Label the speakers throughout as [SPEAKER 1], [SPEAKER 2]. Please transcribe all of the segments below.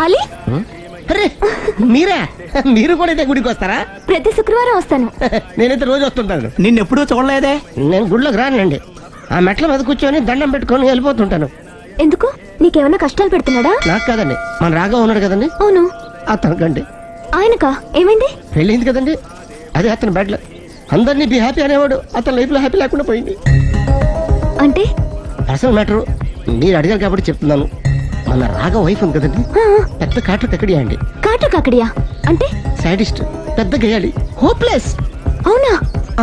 [SPEAKER 1] అలీ
[SPEAKER 2] అరే మీరా? మీరు కూడా అయితే గుడికి వస్తారా?
[SPEAKER 1] ప్రతి శుక్రవారం వస్తాను.
[SPEAKER 2] నేనైతే రోజు వస్తుంటాను.
[SPEAKER 3] నిన్నెప్పుడూ చూడలేదే.
[SPEAKER 2] నేను గుడిలోకి రానండి. ఆ మెట్ల మీద కూర్చొని దండం పెట్టుకొని వెళ్ళిపోతుంటాను.
[SPEAKER 1] ఎందుకు? నీకేమైనా కష్టాలు పెడుతున్నాడా?
[SPEAKER 2] నాకు కాదండి, మన రాగా ఉన్నాడు కదండి,
[SPEAKER 1] అవును.
[SPEAKER 2] అతనికండి.
[SPEAKER 1] ఆయనకా? ఏమైంది?
[SPEAKER 2] పెళ్ళింది కదండి, అదే అతని బెడ్లో అందరినీ బి హ్యాపీ అనేవాడు. అతని లైఫ్ లో హ్యాపీ లేకుండా పోయింది.
[SPEAKER 1] అంటే
[SPEAKER 2] అసలు మ్యాటర్ మీరు అడిగారు కాబట్టి చెప్తున్నాను. మన రాగా వైఫ్ ఉంది కదండి, పెద్ద కాటు కక్కడియా అండి.
[SPEAKER 1] కాటు కాకడియా అంటే?
[SPEAKER 2] సాడిస్ట్, పెద్ద గేయాలి, హోప్లెస్.
[SPEAKER 1] అవునా?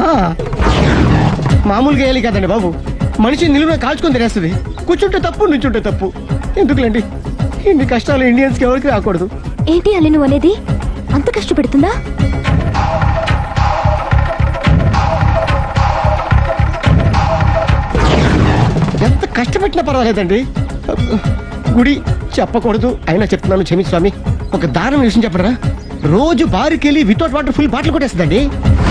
[SPEAKER 2] మామూలు గేయాలి కదండి బాబు, మనిషి నిలువున కాల్చుకొని తినేస్తుంది. కూర్చుంటే తప్పు, నుంచుంటే తప్పు. ఎందుకులేండి ఇన్ని కష్టాలు ఇండియన్స్ కి ఎవరికి రాకూడదు.
[SPEAKER 1] ఏంటి అల్లి నువ్వు అనేది? అంత కష్టపెడుతుందా?
[SPEAKER 2] ఎంత కష్టపెట్టినా పర్వాలేదండి. గుడి చెప్పకూడదు, అయినా చెప్తున్నాను, క్షమి స్వామి. ఒక దారుణ విషయం చెప్పరా, రోజు బారుకెళ్ళి వితౌట్ వాటర్ ఫుల్ బాటిల్ కొట్టేస్తుందండి.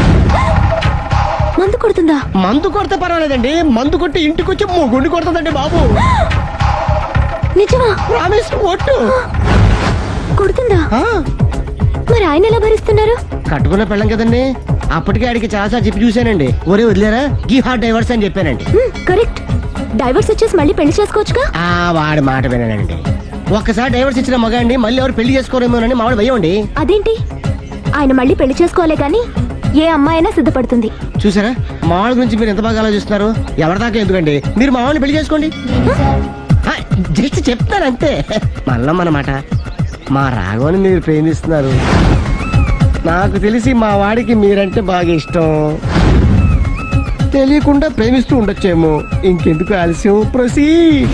[SPEAKER 1] మందు కొడుతుందా?
[SPEAKER 2] మందు కొడితే పర్వాలేదండి, మందు కొట్టి ఇంటికి వచ్చి గుండి కొడుతుందండి బాబు.
[SPEAKER 1] నిజమా?
[SPEAKER 2] ప్రామిస్, ఒట్టు.
[SPEAKER 1] కొడుతుందా?
[SPEAKER 2] ఆ,
[SPEAKER 1] మరి ఆయన ఎలా భరిస్తున్నారు?
[SPEAKER 2] కట్టుకున్న పెళ్ళం కదండి. అప్పటికే ఆడికి చాలాసార్లు చెప్పి చూశానండి. ఒరే వదిలేరా, గీ హార్ట్ డైవర్స్ అని చెప్పానండి.
[SPEAKER 1] కరెక్ట్. డైవర్స్ వచ్చేసి మళ్ళీ పెళ్లి చేసుకోవచ్చుగా.
[SPEAKER 2] వాడి మాట వినానండి. ఒక్కసారి డైవర్స్ ఇచ్చిన మగాండి మళ్ళీ ఎవరు పెళ్లి చేసుకోరేమోనని మావాడు భయం అండి.
[SPEAKER 1] అదేంటి? ఆయన మళ్ళీ పెళ్లి చేసుకోలే గాని ఏ అమ్మాయినా సిద్ధపడుతుంది.
[SPEAKER 2] చూసారా, మావాడి గురించి మీరు ఎంత బాగా ఆలోచిస్తున్నారు. ఎవరిదాకా ఎందుకండి, మీరు మావాడిని పెళ్లి చేసుకోండి. జస్ట్ చెప్తాను అంతే. మళ్ళా మన మాట, మా రాఘవని మీరు ప్రేమిస్తున్నారు. నాకు తెలిసి మా వాడికి మీరంటే బాగా ఇష్టం. తెలియకుండా ప్రేమిస్తూ ఉండొచ్చేమో. ఇంకెందుకు ఆలస్యం, ప్రొసీడ్.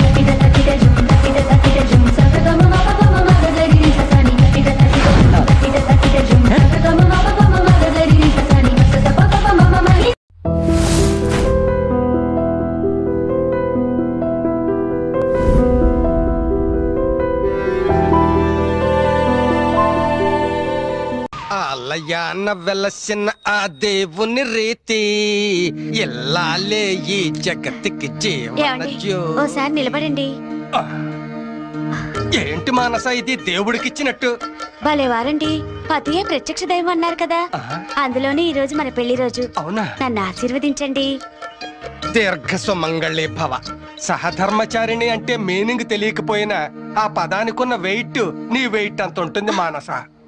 [SPEAKER 4] అన్న వెలసిన ఆ దేవుని రీతి ఎల్లాలే ఈ జగత్తుకి
[SPEAKER 1] ఓసారి నిలబడండి.
[SPEAKER 4] ఏంటి మానస ఇది దేవుడికిచ్చినట్టు?
[SPEAKER 1] భలే వారండి, పతియే ప్రత్యక్ష దైవం అన్నారు కదా, అందులోనే ఈ రోజు మన పెళ్లి రోజు.
[SPEAKER 4] అవునా?
[SPEAKER 1] నన్ను ఆశీర్వదించండి.
[SPEAKER 4] దీర్ఘ సుమంగళి భవ. సహధర్మచారిణి అంటే మీనింగ్ తెలియకపోయినా ఆ పదానికున్న వెయిట్ నీ వెయిట్ అంత ఉంటుంది మానస.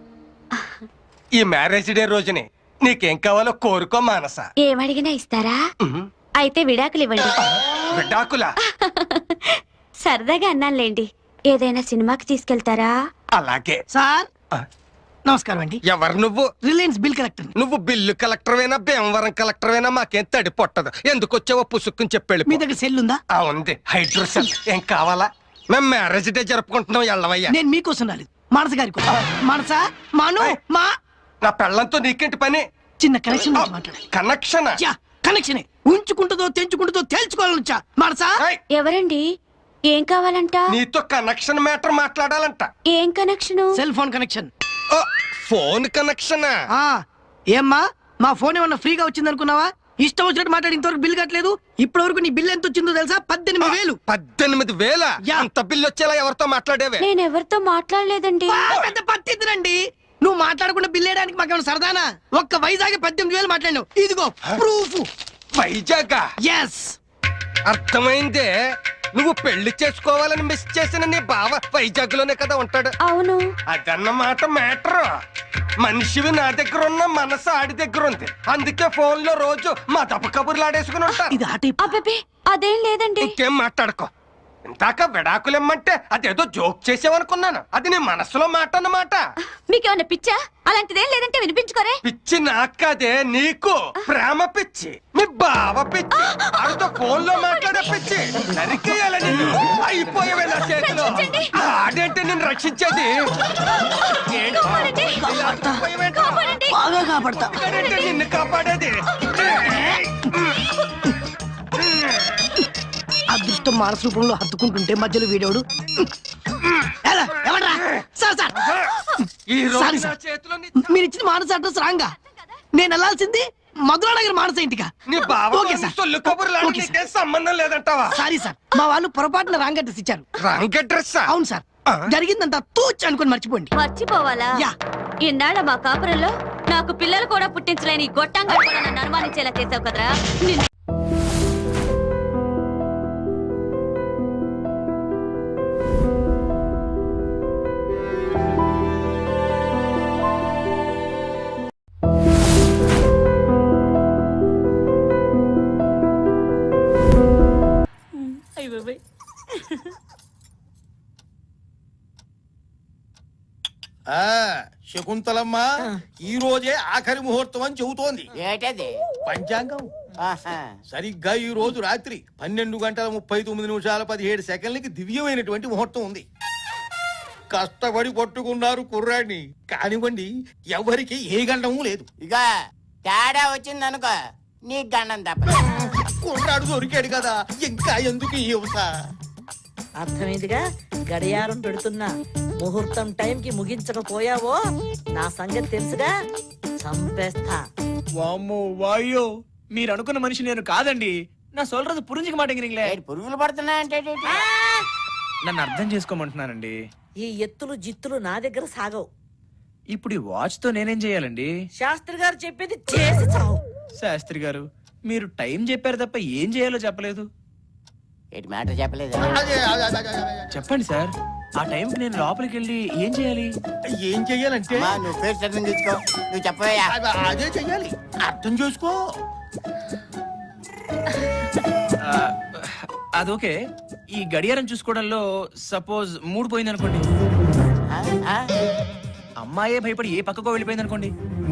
[SPEAKER 4] ఈ మ్యారేజ్ డే రోజుని నీకేం కావాలో కోరుకో మానస.
[SPEAKER 1] ఏమడిగినా ఇస్తారా? అయితే విడాకులు ఇవ్వండి.
[SPEAKER 4] విడాకులా?
[SPEAKER 1] సరదాగా అన్నానులేండి. ఏదైనా సినిమాకి తీసుకెళ్తారా?
[SPEAKER 4] అలాగే
[SPEAKER 3] సార్ నమస్కారం అండి.
[SPEAKER 4] ఎవరు నువ్వు?
[SPEAKER 3] Reliance bill collector.
[SPEAKER 4] నువ్వు బిల్లు కలెక్టర్ వేనా భీమవరం కలెక్టర్ వేనా మాకేం తడి పొట్టదు. ఎందుకు వచ్చావో పుసుక్కుని చెప్పాడు.
[SPEAKER 3] మీ దగ్గర సెల్ ఉందా?
[SPEAKER 4] ఉంది, హైడ్రోసెల్. ఏం కావాలా? మేము మ్యారేజ్ డే జరుపుకుంటున్నాం, ఎల్లవయ్యా.
[SPEAKER 3] నేను మీకోసం రాలేదు, మానస గారి కోసం. మానస, మాను, మా
[SPEAKER 4] నా పెళ్ళంతో నీకేంటి పని?
[SPEAKER 3] చిన్న కనెక్షన్ మాట్లాడాలి.
[SPEAKER 4] కనెక్షన్?
[SPEAKER 3] కనెక్షన్ ఉంచుకుంటుందో తెంచుకుంటుందో తేల్చుకోవాలనుచా. మానస.
[SPEAKER 1] ఎవరండి? ఏం కావాలంట?
[SPEAKER 4] నీతో కనెక్షన్ మ్యాటర్ మాట్లాడాలంట.
[SPEAKER 1] ఏం connection?
[SPEAKER 3] Cell phone connection.
[SPEAKER 4] Phone connection?
[SPEAKER 3] ఏమ్మా, మా ఫోన్ ఏమన్నా ఫ్రీగా వచ్చింది అనుకున్నావా? ఇష్టం వచ్చినట్టు మాట్లాడి ఇంతవరకు బిల్ కట్టలేదు. ఇప్పటి వరకు నీ బిల్ ఎంత వచ్చిందో తెలుసా? 18,000.
[SPEAKER 4] 18,000? అంత బిల్ వచ్చేలా ఎవరితో మాట్లాడేవే?
[SPEAKER 1] నేను ఎవరితో మాట్లాడలేదండి.
[SPEAKER 3] పెద్ద పట్టిద్దురండి. నువ్వు మాట్లాడకుండా బిల్ వేయడానికి మాకేమైనా సరదానా? ఒక్క వైజాగ్ 18,000 మాట్లాడినావు. ఇదిగో ప్రూఫ్.
[SPEAKER 4] వైజాగ్?
[SPEAKER 3] ఎస్.
[SPEAKER 4] అర్థమైందే. నువ్వు పెళ్లి చేసుకోవాలని మిస్ చేసిన నీ బావ వైజాగ్ లోనే కదా ఉంటాడు.
[SPEAKER 1] అవును.
[SPEAKER 4] అదన్నమాట మ్యాటర్. మనిషివి నా దగ్గర ఉన్న, మనసు ఆడి దగ్గర ఉంది. అందుకే ఫోన్ లో రోజు మా దప్ప కబుర్లు ఆడేసుకుని ఉంటాను.
[SPEAKER 1] అబ్బే అదేం లేదండి.
[SPEAKER 4] ఇంకేం మాట్లాడుకో. ఇందాక విడాకులమ్మంటే అదేదో జోక్ చేసావనుకున్నాను. అది నీ మనసులో మాట అన్నమాట.
[SPEAKER 1] మీకేమన్నా పిచ్చా? అలాంటిదేం లేదంటే వినిపించుకోరే.
[SPEAKER 4] పిచ్చి నాకదే, నీకు ప్రేమ పిచ్చి. మీ బావ పిచ్చి. ఆడితో ఫోన్ లో మాట్లాడే పిచ్చి. నరికేయాలని అయిపోయావే నా చేతిలో. ఆడేంటే నేను రక్షించేది.
[SPEAKER 3] బాగా కాపాడతా.
[SPEAKER 4] నిన్ను కాపాడేది.
[SPEAKER 3] అదృష్టం మానస రూపంలో హత్తుకుంటుంటే మధ్యలో వీడోడు. మీరు ఇచ్చిన మానస అడ్రస్ రాంగా. నేను వెళ్ళాల్సింది మధురానగర్ మానస ఇంటికా?
[SPEAKER 4] సంబంధం లేదంటావా?
[SPEAKER 3] సారీ సార్, మా వాళ్ళు పొరపాటున రాంగ్ అడ్రస్ ఇచ్చారు.
[SPEAKER 4] Wrong address?
[SPEAKER 3] అవును సార్, జరిగిందంతా తూచ్ అనుకుని మర్చిపోండి.
[SPEAKER 1] మర్చిపోవాలా?
[SPEAKER 3] యా.
[SPEAKER 1] ఇన్నాళ్ళ మా కాపురంలో నాకు పిల్లలు కూడా పుట్టించలేని ఈ గొట్టంగా కూడా నన్ను అనుమానించేలా చేసావు కదరా.
[SPEAKER 5] శకుంతలమ్మ ఈ రోజే ఆఖరి ముహూర్తం అని చెబుతోంది.
[SPEAKER 6] ఏటది?
[SPEAKER 5] పంచాంగం
[SPEAKER 6] ఆహా.
[SPEAKER 5] సరిగ్గా ఈ రోజు రాత్రి 12:39:17 దివ్యమైనటువంటి ముహూర్తం ఉంది. కష్టపడి పట్టుకున్నారు కుర్రాడిని, కానివ్వండి ఎవరికి ఏ గండము లేదు.
[SPEAKER 6] ఇక తేడా వచ్చింది అనుకో నీ గండం తప్ప.
[SPEAKER 5] కుర్రాడు దొరికాడు కదా, ఇంకా ఎందుకు ఈ యువత?
[SPEAKER 7] అర్థమైందిగా. గడియారం పెడుతున్నా, ముహూర్తం టైంకి ముగించకపోయావో నా సంగతి తెలుసుగా, చంపేస్తా.
[SPEAKER 8] వామ్మో వాయో, మీరు అనుకున్న మనిషి నేను కాదండి. నా సొల్றது పురింజికి మాటంగిరింగ్లే.
[SPEAKER 6] ఏడు పురుగులు పడుతున్నాయంటే
[SPEAKER 8] నన్ను అర్థం చేసుకోమంటున్నానండి.
[SPEAKER 7] ఈ ఎత్తులు జిత్తులు నా దగ్గర సాగవు.
[SPEAKER 8] ఇప్పుడు ఈ వాచ్ తో నేనేం చేయాలండి?
[SPEAKER 7] శాస్త్రి గారు చెప్పేది చేసి చావు.
[SPEAKER 8] శాస్త్రి గారు, మీరు టైం చెప్పారు తప్ప ఏం చేయాలో చెప్పలేదు.
[SPEAKER 6] ఏటి మ్యాటర్ చెప్పలేదు.
[SPEAKER 5] అదే, అదే, అదే, అదే, అదే.
[SPEAKER 8] చెప్పండి సార్, ఆ టైంకి నేను లోపలికి వెళ్ళి ఏం చేయాలి?
[SPEAKER 5] ఏం చెయ్యాలంటే
[SPEAKER 6] అమ్మా, నువ్వు ఫేస్ అర్థం తీసుకో. నువ్వు చెప్పవయ్యా.
[SPEAKER 5] అదే చెయ్యాలి, అర్థం చేసుకో.
[SPEAKER 8] ఆ, అదొకే. ఈ గడియారం చూసుకోవడంలో సపోజ్ మూడు పోయింది అనుకోండి,
[SPEAKER 6] ఆ? ఆ?
[SPEAKER 8] అమ్మాయే భయపడి ఏ పక్కకో వెళ్ళిపోయింది అనుకోండి,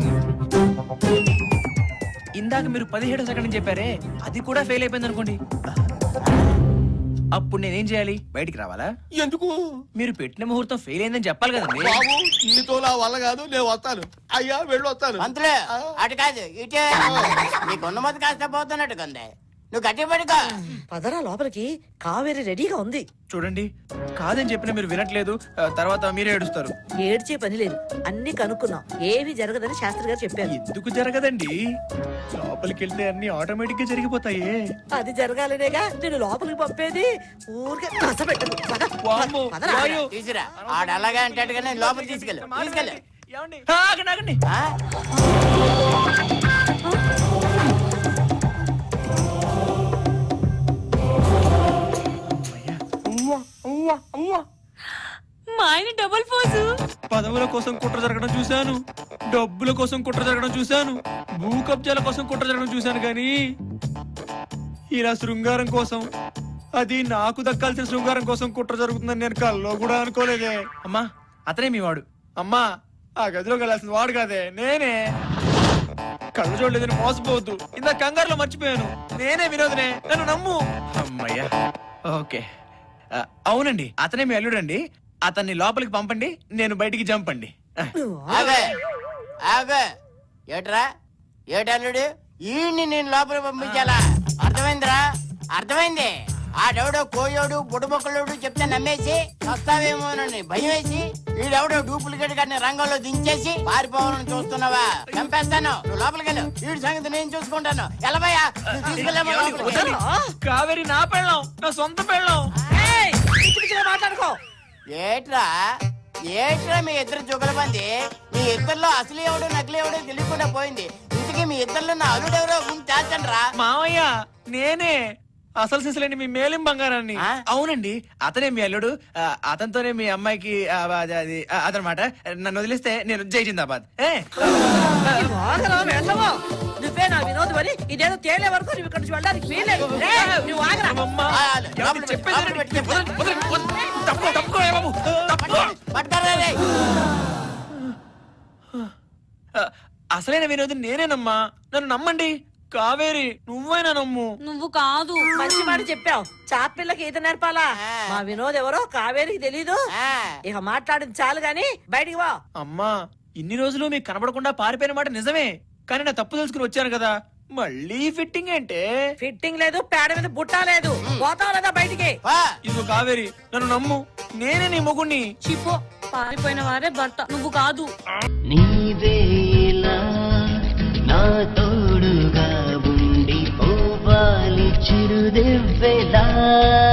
[SPEAKER 8] ఇందాక మీరు 17 సెకండ్ చెప్పారే అది కూడా ఫెయిల్ అయిపోయింది అనుకోండి, అప్పుడు నేనేం చేయాలి? బయటికి రావాలా?
[SPEAKER 5] ఎందుకు
[SPEAKER 8] మీరు పెట్టిన ముహూర్తం ఫెయిల్ అయిందని చెప్పాలి కదండి.
[SPEAKER 5] బాబు, నీతో నా వల్ల కాదు, నేను వస్తాను. అయ్యా వెళ్ళి వస్తాను.
[SPEAKER 6] పంతులు అటు కాదు ఇటే. నీకున్న మొదటి కాస్త పోతున్నట్టుగా ఉంది. నువ్వు గట్టి పడుకో.
[SPEAKER 7] పదరా లోపలికి, కావేరి రెడీగా ఉంది.
[SPEAKER 8] చూడండి, కాదని చెప్పినా మీరు వినట్లేదు, తర్వాత మీరే ఏడుస్తారు.
[SPEAKER 7] ఏడ్చే పని లేదు, అన్ని కనుక్కున్నాం, ఏమీ జరగదని శాస్త్రి గారు చెప్పారు.
[SPEAKER 8] ఎందుకు జరగదండి? లోపలికి వెళ్తే అన్ని ఆటోమేటిక్ గా జరిగిపోతాయి.
[SPEAKER 7] అది జరగాలనేగా నేను లోపలికి పంపేది. ఊరికే కసపెట్టదు. పద,
[SPEAKER 8] వామ్మో,
[SPEAKER 7] పదరా.
[SPEAKER 8] వాయో.
[SPEAKER 6] తీసురా. ఆడు అలాగే అంటాడుగానే లోపల తీసుకెళ్ళు. తీసుకెళ్ళు.
[SPEAKER 8] ఏమండి? ఆగండి, ఆగండి.
[SPEAKER 6] ఆ?
[SPEAKER 1] మా ఆయన డబుల్ ఫోజు.
[SPEAKER 8] పదవుల కోసం కుట్ర జరగడం చూశాను, డబ్బుల కోసం కుట్ర జరగడం చూశాను, భూ కబ్జాల కోసం కుట్ర జరగడం చూశాను, కానీ ఇలా శృంగారం కోసం, అది నాకు దక్కాల్సిన శృంగారం కోసం కుట్ర జరుగుతుందని నేను కల్లో కూడా అనుకోలేదే. అమ్మా, అతనే మీ వాడు. అమ్మా, ఆ గదిలోకి వెళ్ళాల్సిన వాడు కాదే, నేనే. కళ్ళు చూడలేదని మోసపోవద్దు. ఇంత కంగారులో మర్చిపోయాను. నేనే వినోదనే, నన్ను నమ్ము. అమ్మయ్యా, ఓకే. అవునండి, అతనే మీ అల్లుడండి. అతన్ని లోపలికి పంపండి, నేను బయటికి జంపండి.
[SPEAKER 6] ఆగే ఆగే. ఏట్రా ఏటల్లుడు, ఈయన్ని నేను లోపలికి పంపించాలా? అర్థమైందిరా? అర్థమైంది. ఆడెవడో కోయోడు బుడబొక్కలోడు చెప్తే నమ్మేసి వస్తావేమోనని భయం వేసి వీడెవడో డూప్లికేట్ గారిని రంగంలో దించేసి పారిపోవాలని చూస్తున్నావా? చంపేస్తాను. నువ్వు లోపలికి వెళ్ళు. వీడి సంగతి నేను చూసుకుంటాను. ఎలబయ్యా, తీసుకెళ్ళాము లోపలికి.
[SPEAKER 8] కావేరి నా పెళ్ళం, నా సొంత పెళ్ళం.
[SPEAKER 7] ఏయ్, పిచ్చి పిచ్చిగా మాట్లాడుకో.
[SPEAKER 6] ఏట్రా ఏట్రా మీ ఇద్దరు జుగలబంది? మీ ఇద్దరిలో అసలు ఎవడో నకిలీ ఎవడో తెలియకుండా పోయింది. ఇంతకీ మీ ఇద్దరిలో నా అల్లుడు ఎవరో తేల్చండి రా.
[SPEAKER 8] మావయ్య, నేనే అసలు సిసలేని మీ మేలిం బంగారాన్ని. అవునండి, అతనే మీ అల్లుడు. అతనితోనే మీ అమ్మాయికి అదనమాట. నన్ను వదిలేస్తే నేను జై జిందాబాద్.
[SPEAKER 7] నువ్వే నా వినోదం అని ఇదేదో తేలే వరకు నువ్వు ఇక్కడ నుంచి వెళ్ళడానికి వీలేదు. నువ్వు ఆగరా.
[SPEAKER 8] అసలైన వినోదం నేనేనమ్మా, నన్ను నమ్మండి. కావేరి, నువ్వైనా నమ్ము.
[SPEAKER 1] నువ్వు కాదు.
[SPEAKER 7] మంచి మాట చెప్పావు. చాపిల్లకి ఈత నేర్పాలా? మా వినోద్ ఎవరో కావేరికి తెలీదు. ఇక మాట్లాడింది చాలు గాని బయటికి వా.
[SPEAKER 8] అమ్మా, ఇన్ని రోజులు మీకు కనబడకుండా పారిపోయిన మాట నిజమే, కానీ నా తప్పు తెలుసుకుని వచ్చాను కదా. మళ్ళీ ఫిట్టింగ్ అంటే?
[SPEAKER 7] ఫిట్టింగ్ లేదు, పేడ మీద బుట్ట లేదు. పోతావు లేదా బయటికి?
[SPEAKER 8] ఇదిగో కావేరి, నన్ను నమ్ము, నేనే నీ మొగుణ్ణి.
[SPEAKER 1] చిపో, పారిపోయిన వారే భర్త, నువ్వు కాదు.
[SPEAKER 9] నీవేలా నా తోడుగా ఉండి పోవాలి చిరుదివ్వెలా.